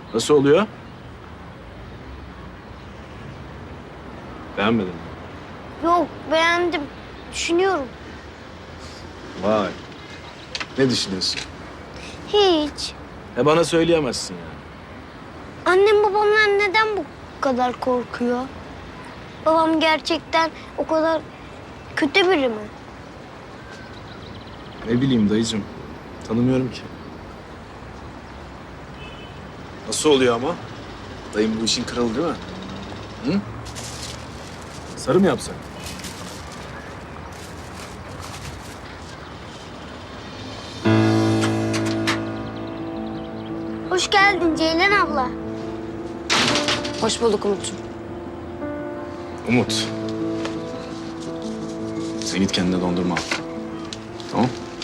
Nasıl oluyor? Beğenmedin mi? Yok, beğendim. Düşünüyorum. Vay. Ne düşünüyorsun? Hiç. Bana söyleyemezsin yani. Annem babamdan neden bu kadar korkuyor? Babam gerçekten o kadar kötü biri mi? Ne bileyim dayıcığım. Tanımıyorum ki. Nasıl oluyor ama? Dayım bu işin kralı değil mi? Hı? Sarı mı yapsak? Hoş geldin Ceylan abla. Hoş bulduk Umut'cum. Umut. Sen git kendine dondurma al. Tamam?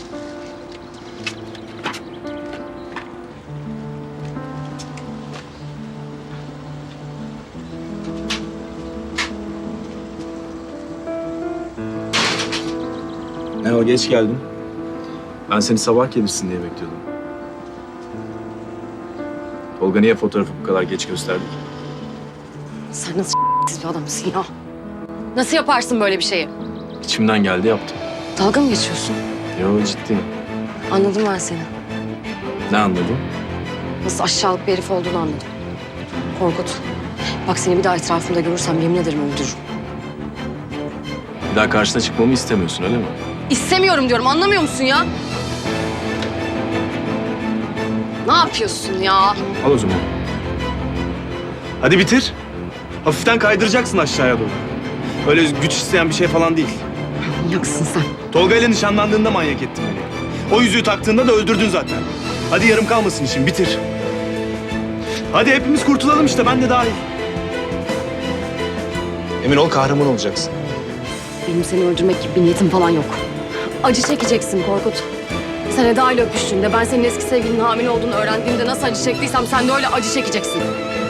Ne o, geç geldin. Ben seni sabah gelirsin diye bekliyordum. Tolga niye fotoğrafı bu kadar geç gösterdi ki? Sen nasıl bir adamsın ya? Nasıl yaparsın böyle bir şeyi? İçimden geldi yaptım. Dalga mı geçiyorsun? Yo, ciddiyim. Anladım ben seni. Ne anladın? Nasıl aşağılık bir herif olduğunu anladım. Korkut. Bak seni bir daha etrafımda görürsem yemin ederim öldürürüm. Bir daha karşına çıkmamı istemiyorsun öyle mi? İstemiyorum diyorum, anlamıyor musun ya? Ne yapıyorsun ya? Al o zaman. Hadi bitir. Hafiften kaydıracaksın aşağıya doğru. Öyle güç isteyen bir şey falan değil. Manyaksın sen. Tolga ile nişanlandığında manyak ettin beni. O yüzüğü taktığında da öldürdün zaten. Hadi yarım kalmasın işin, bitir. Hadi hepimiz kurtulalım işte, ben de dahil. Emin ol, kahraman olacaksın. Benim seni öldürmek gibi bir niyetim falan yok. Acı çekeceksin Korkut. Sen Eda ile öpüştüğünde, ben senin eski sevgilinin hamile olduğunu öğrendiğimde nasıl acı çektiysem sen de öyle acı çekeceksin.